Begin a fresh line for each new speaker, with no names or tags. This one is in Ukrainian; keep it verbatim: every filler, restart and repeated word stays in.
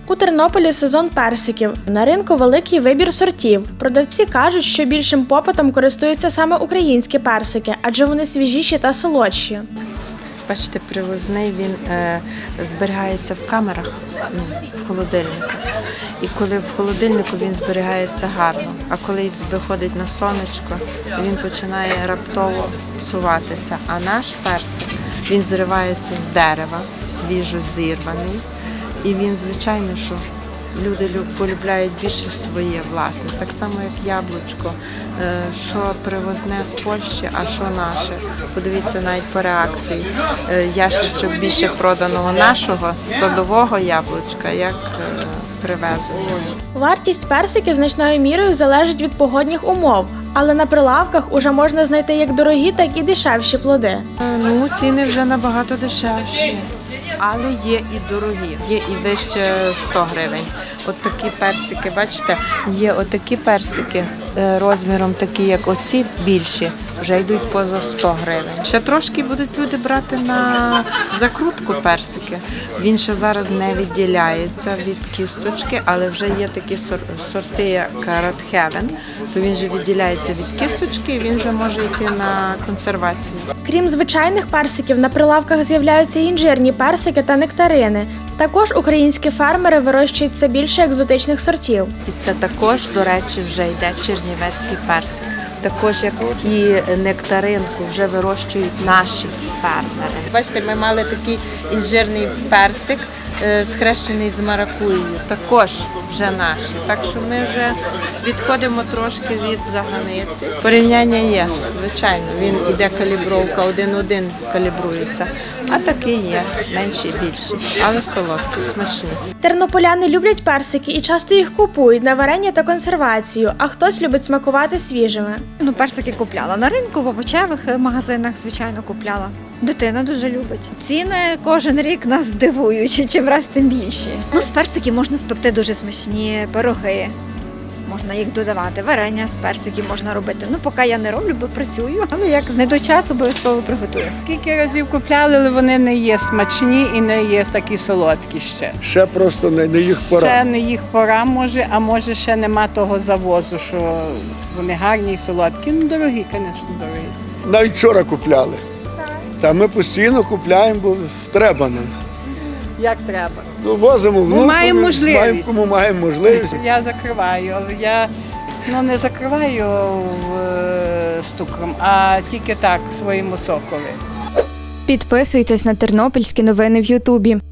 У Тернополі сезон персиків. На ринку великий вибір сортів. Продавці кажуть, що більшим попитом користуються саме українські персики, адже вони свіжіші та солодші.
Бачите, привозний, він е, зберігається в камерах, ну, в холодильнику. І коли в холодильнику він зберігається гарно, а коли виходить на сонечко, він починає раптово псуватися. А наш персик, він зривається з дерева, свіжо зірваний. І він, звичайно, що люди полюбляють більше своє власне. Так само, як яблучко, що привозне з Польщі, а що наше. Подивіться навіть по реакції. Ящичок більше проданого нашого садового яблучка, як привезеного.
Вартість персиків значною мірою залежить від погодних умов, але на прилавках уже можна знайти як дорогі, так і дешевші плоди.
Ну, ціни вже набагато дешевші. Але є і дорогі, є і вище сто гривень. От такі персики, бачите, є отакі персики розміром такі, як оці, більші, вже йдуть поза сто гривень. Ще трошки будуть люди брати на закрутку персики. Він ще зараз не відділяється від кісточки, але вже є такі сорти, як Red Heaven, то він вже відділяється від кісточки і він вже може йти на консервацію.
Крім звичайних персиків, на прилавках з'являються інжирні персики та нектарини. Також українські фермери вирощують все більше екзотичних сортів.
І це також, до речі, вже йде чернівецький персик. Також, як і нектаринку, вже вирощують наші фермери. Бачите, ми мали такий інжирний персик, схрещений з маракуєю, також вже наші. Так що ми вже відходимо трошки від заганиці. Порівняння є, звичайно, він іде калібровка, один-один калібрується. А такий є, менший, більший, але солодкий, смачний.
Тернополяни люблять персики і часто їх купують на варення та консервацію, а хтось любить смакувати свіжими.
Ну, персики купляла на ринку, в овочевих магазинах, звичайно, купляла. Дитина дуже любить. Ціни кожен рік нас дивують, чим раз тим більші. Ну, з персиків можна спекти дуже смачні пироги. Можна їх додавати, варення з персиків можна робити. Ну, поки я не роблю, бо працюю, але як знайду час, обов'язково приготую.
Скільки разів купляли, але вони не є смачні і не є такі солодкі ще.
Ще просто не, не їх пора.
Ще не їх пора, може, а може ще нема того завозу, що вони гарні і солодкі. Ну, дорогі, звісно, дорогі.
Навіть вчора купляли. Та ми постійно купляємо, бо треба нам.
Як треба.
Ну, возимо внуку,
маємо можливість.
Маємо, кому маємо можливість.
Я закриваю, але я ну, не закриваю е, з цукром, а тільки так, своєму сокові.
Підписуйтесь на тернопільські новини в Ютубі.